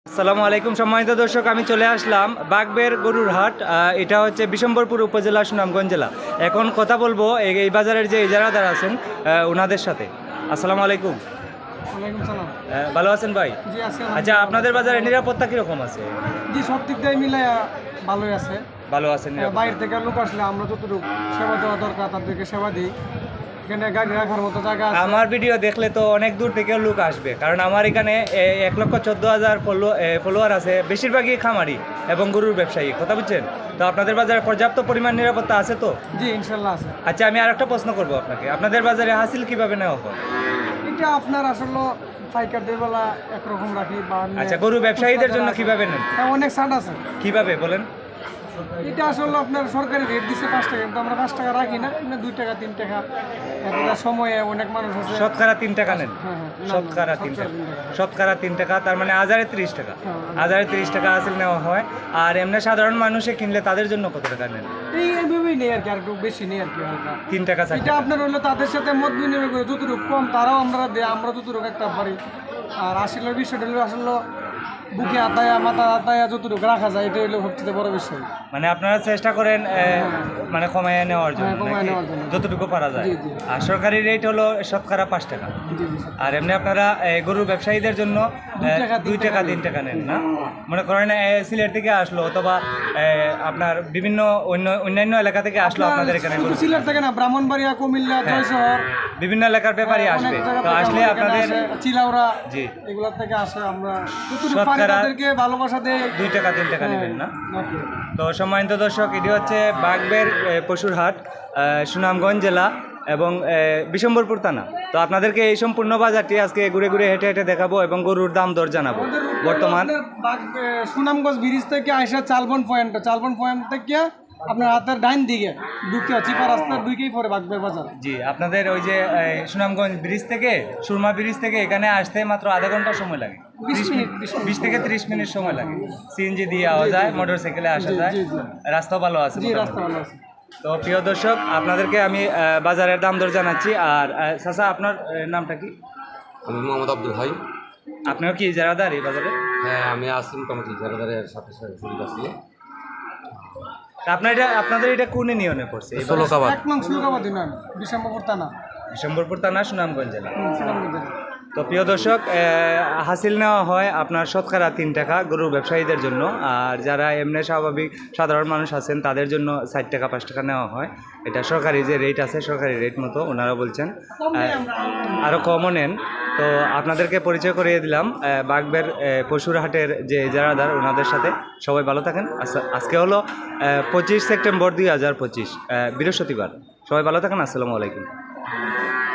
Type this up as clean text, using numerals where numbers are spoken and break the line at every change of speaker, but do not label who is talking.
আসসালামু আলাইকুম সম্মানিত দর্শক, আমি চলে আসলাম বাগবের গরুর হাট। এটা হচ্ছে বিশম্বরপুর উপজেলা, সুনামগঞ্জ জেলা। এখন কথা বলবো এই বাজারের যে ইজারাদার আছেন ওনাদের সাথে। আসসালামু আলাইকুম।
ওয়ালাইকুম সালাম।
ভালো আছেন ভাই?
জি আছি।
আচ্ছা, আপনাদের বাজারে নিরাপত্তা কীরকম আছে?
জি, সব দিক দিয়ে মিলাই ভালোই আছে।
ভালো আছে নিরাপত্তা?
বাইরে থেকে লোক আসলে আমরা যতটুকু সেবা দেওয়া দরকার তাদেরকে সেবা দিই। এখানে গাড়ি রাখার মতো জায়গা আছে।
আমার ভিডিও দেখলে তো অনেক দূর থেকেও লোক আসবে, কারণ আমার এখানে 1,14,000 ফলোয়ার আছে, বেশিরভাগই খামারি এবং গরুর ব্যবসায়ী। কথা বুঝছেন? তো আপনাদের বাজারে পর্যাপ্ত পরিমাণ নিরাপত্তা আছে তো?
জি, ইনশাল্লাহ আছে।
আচ্ছা, আমি আর একটা প্রশ্ন করবো আপনাকে, আপনাদের বাজারে হাসিল কিভাবে নেওয়া হয়?
এটা আপনার আসলে পাইকারদের বেলা একরকম রাখি বা
আচ্ছা, গরু ব্যবসায়ীদের জন্য কিভাবে নেন?
অনেক ছাড় আছে।
কিভাবে বলেন?
এটা আসলে আপনার সরকারি রেট দিচ্ছে 5 টাকা, কিন্তু আমরা 5 টাকা রাখি না, 2 টাকা 3 টাকা। একটা সময়ে অনেক মানুষ আছে
শতকরা 3 টাকা নেন?
হ্যাঁ, না,
শতকরা 3 টাকা। শতকরা 3 টাকা, তার মানে হাজারে 30 টাকা। হাজারে 30 টাকা হাসিল নেওয়া হয়। আর এমনি সাধারণ মানুষে কিনলে তাদের জন্য কত টাকা নেন?
এইভাবেই নেই আর কি, আর একটু বেশি নেই আর কি, হালকা
3 টাকা 4
এটা
টাকা।
আপনার হলো তাদের সাথে মত বিনিময় করে যতটুকু কম তারাও আমরা দেয়, আমরা যতটুকু একটা পারি। আর আসলে বিষয়টা হলো আসলে বুকে আতায়া মাথা আতায়া যতটুকু রাখা যায়, এটা হলো সবচেয়ে বড় বিষয়।
মানে আপনারা চেষ্টা করেন মানে কমায় নেওয়ার জন্য,
হ্যাঁ, কমায়
নাকি?
নেওয়ার জন্য।
যতটুকু পারা যায়।
জি, জি।
আর সরকারি রেট হলো শতকরা 5 টাকা।
জি জি।
আর এমনি আপনারা গরুর ব্যবসায়ীদের জন্য 2 টাকা 3 টাকা নেন না? মনে করেন সিলেট থেকে আসলো অথবা আপনার বিভিন্ন অন্যান্য এলাকা থেকে আসলো আপনাদের এখানে
শুধু
গরু।
সিলেট থেকে না, ব্রাহ্মণবাড়িয়া, কুমিল্লা, জয়শহর,
বিভিন্ন এলাকার ব্যাপারই আসবে।
অনেক জায়গা
তো
থেকে
আসলে
আমাদের
আপনাদের
এখানে আসে, চিলাউড়া,
জি
এগুলোর থেকে আসে। আমরা যতটুকু পারি
শতকরা
তাদেরকে ভালোবাসা দেই।
2 টাকা 3 টাকা নেবেন না?
নাকি?
তো সম্মানিত দর্শক, এটি হচ্ছে বাগবের পশুর হাট, সুনামগঞ্জ জেলা এবং বিশম্বরপুর থানা। তো আপনাদেরকে এই সম্পূর্ণ বাজারটি আজকে ঘুরে ঘুরে হেঁটে হেঁটে দেখাবো এবং গরুর দাম দর জানাবো। বর্তমান
সুনামগঞ্জ ব্রিজ থেকে আইসা চালবন পয়েন্ট থেকে আপনার হাতের ডাইন দিকে ঢুকে চিপা রাস্তা ঢুকেই পরে বাগবের বাজার।
জি, আপনাদের ওই যে সুনামগঞ্জ ব্রিজ থেকে, সুরমা ব্রিজ থেকে এখানে আসতে মাত্র আধা ঘন্টা সময় লাগে। 20 থেকে 30 মিনিট সময় লাগে। সিএনজি দিয়ে আওয়া যায়, মোটর সাইকেলে আসা যায়, রাস্তা ভালো আছে।
জি, রাস্তা ভালো আছে।
তো প্রিয় দর্শক, আপনাদেরকে আমি বাজারের দাম দর জানাচ্ছি। আর চাচা, আপনার নামটা কি?
আমি মোহাম্মদ আব্দুল হাই।
আপনিও কি ইজারাদার এই বাজারে?
হ্যাঁ, আমি আছি মোটামুটি ইজারাদারের সাথে সাথে জড়িত আছি।
তা আপনাদের এটা কোন ইউনিয়নে পড়ছে? এই
ষোলকাবাদ।
1 নং সুলকাবাদ ইউনিয়ন, বিশম্বরপুর থানা।
বিশম্বরপুর থানা, সুনামগঞ্জ জেলা।
সুনামগঞ্জ জেলা।
তো প্রিয় দর্শক, হাসিল নেওয়া হয় আপনার শতকরা 3 টাকা গরুর ব্যবসায়ীদের জন্য। আর যারা এমনি স্বাভাবিক সাধারণ মানুষ আছেন তাদের জন্য 60 টাকা 5 টাকা নেওয়া হয়। এটা সরকারি যে রেট আছে, সরকারি রেট মতো ওনারা বলছেন। আরও কমও নেন। তো আপনাদেরকে পরিচয় করিয়ে দিলাম বাগবের পশুর হাটের যে ইজারাদার, ওনাদের সাথে। সবাই ভালো থাকেন। আজকে হলো 25 সেপ্টেম্বর 2025, বৃহস্পতিবার। সবাই ভালো থাকেন। আসসালামু আলাইকুম।